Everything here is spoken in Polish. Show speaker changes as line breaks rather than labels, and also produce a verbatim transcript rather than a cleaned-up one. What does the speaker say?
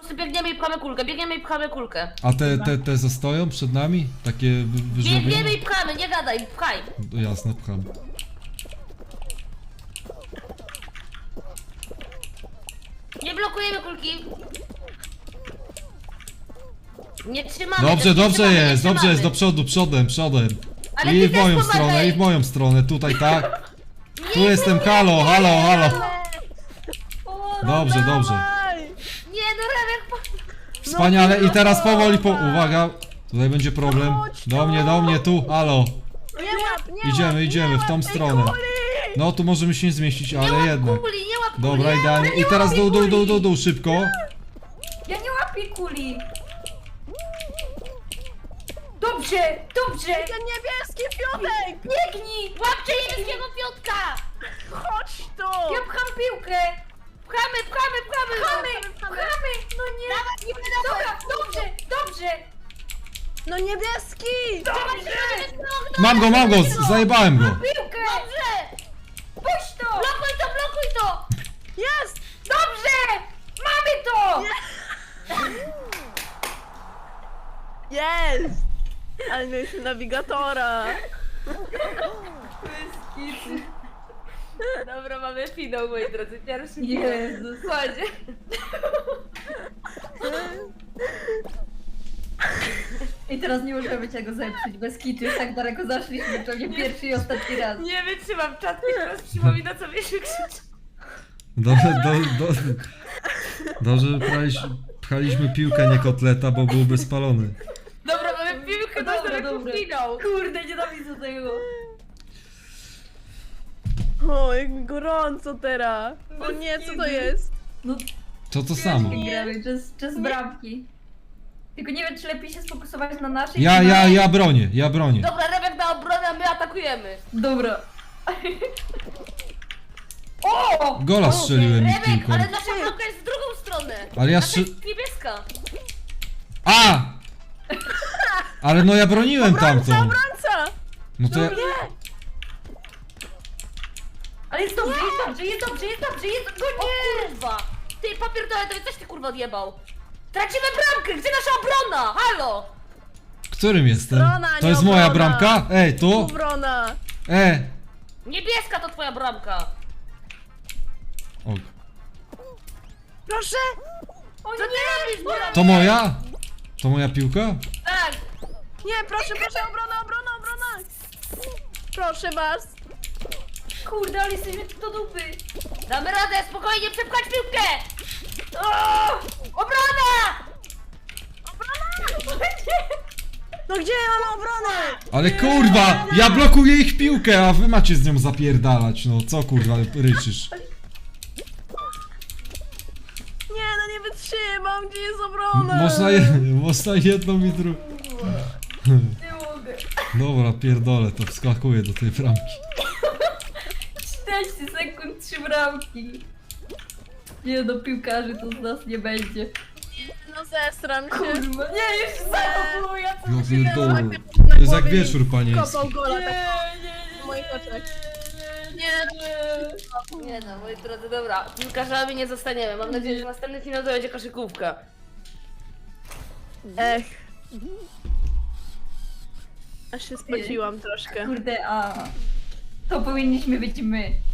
prostu biegniemy i pchamy kulkę, biegniemy i pchamy kulkę.
A te, te, te zostają przed nami? Takie wy-
Biegniemy
wyżłobione?
i pchamy, nie gadaj, pchaj.
No, jasne, pcham.
Nie blokujemy kulki. Nie trzymamy.
Dobrze,
też nie
dobrze
trzymamy, nie
jest, dobrze jest, do
trzymamy.
przodu, przodem, przodem.
Ale
I
ty
w
też
moją
pomagaj.
stronę, i w moją stronę, tutaj tak. Tu
Nie,
jestem,
nie,
halo,
nie,
halo,
nie,
halo.
O,
Dobrze,
no
dobrze.
dawaj.
Nie, no Remek, po...
Wspaniale, i teraz powoli, po... uwaga. Tutaj będzie problem. Do mnie, do mnie, tu, halo.
Nie łap, nie
Idziemy,
łap,
idziemy
nie
w tą
łap tej
stronę.
kuli.
No, tu możemy się nie zmieścić,
nie
ale
łap
jednak.
kuli, nie łap kuli.
Dobra, idealnie. I teraz dół, dół, dół, dół, dół, szybko.
Ja nie łapię kuli. Dobrze, dobrze.
Ten niebieski Piotrek!
Biegnij.
Łapcie niebieskiego piątka.
Chodź tu!
Ja pcham piłkę.
Pchamy, pchamy, pchamy.
Pchamy, pchamy. No nie. Dobra, dobrze, dobrze.
No niebieski!
Dobrze.
Mam go, mam go, z- zajebałem go.
Piłkę.
Dobrze.
Puść to.
Blokuj to, blokuj to.
Jest!
Dobrze. Mamy to.
Jest! Ale mieliśmy nawigatora!
Dobra, mamy finał, moi drodzy. Pierwszy
Jezus.
Kładzie.
I teraz nie możemy tego zepsuć bez kitu. Już tak daleko zaszliśmy, to nie pierwszy i ostatni raz.
Nie wytrzymam, czat mi teraz przypomina, co mnie się krzyczy.
Dobrze, do, do, dobrze, że pchaliśmy, pchaliśmy piłkę, nie kotleta, bo byłby spalony.
Dobra, mamy piłkę,
Dobra,
dobra, dobra.
dobra.
finał.
Kurde, nienawidzę tego.
O, jak mi gorąco teraz! O nie, co to jest?
No
To to samo.
gramy, czas, czas bramki. Tylko nie wiem, czy lepiej się sfokusować na naszej.
Ja,
czy na-
ja, ja bronię, ja bronię.
Dobra, Remek na obronę, a my atakujemy.
Dobra. O!
Gola strzeliłem ich
Remek,
piłką.
ale nasza bramka jest w drugą stronę.
Ale ja
Nasza
strzel...
jest niebieska.
A! Ale no ja broniłem tamtą.
Obrońca!
No to ja...
Ale jest dobrze, jest dobrze, jest dobrze, jest dobrze, jest dobrze.
O kurwa. Ty, papier toaletowy, coś ty kurwa odjebał. Tracimy bramkę, gdzie nasza obrona? Halo.
Którym jestem?
Strona,
To
nie
jest moja
obrona.
bramka? Ej, tu?
Obrona!
E!
Niebieska to twoja bramka.
O,
Proszę!
Co ty robisz, bramka?
to moja? To moja piłka?
Tak.
Nie, proszę, proszę, obrona, obrona, obrona! Proszę was!
Kurde, ale jesteśmy tu do dupy.
Damy radę, spokojnie, przepchać piłkę. O! Obrona!
No gdzie ja mam obronę?
Ale kurwa! Ja blokuję ich piłkę, a wy macie z nią zapierdalać, no co kurwa ryczysz?
Nie, no nie wytrzymam, gdzie jest obrona?
Można, je, można jedną i drugą.
Nie mogę.
Dobra, pierdolę, to wskakuję do tej bramki.
czterdzieści sekund, trzy bramki. Nie no, piłkarzy to z nas nie będzie.
No zestram się.
Kurwa, nie, już znowu, ja co
Ja
mi się
pierdolę.
Na
To jest jak
głowie
wieczór panieński.
Kopał gola
Nie,
tak
nie, nie,
w moich oczach.
nie, nie.
Nie no, moi drodzy, dobra. Piłkarzami nie zostaniemy. Mam nadzieję, że następny finał to będzie koszykówka.
Ech. Aż się spociłam troszkę.
Kurde, a to powinniśmy być my.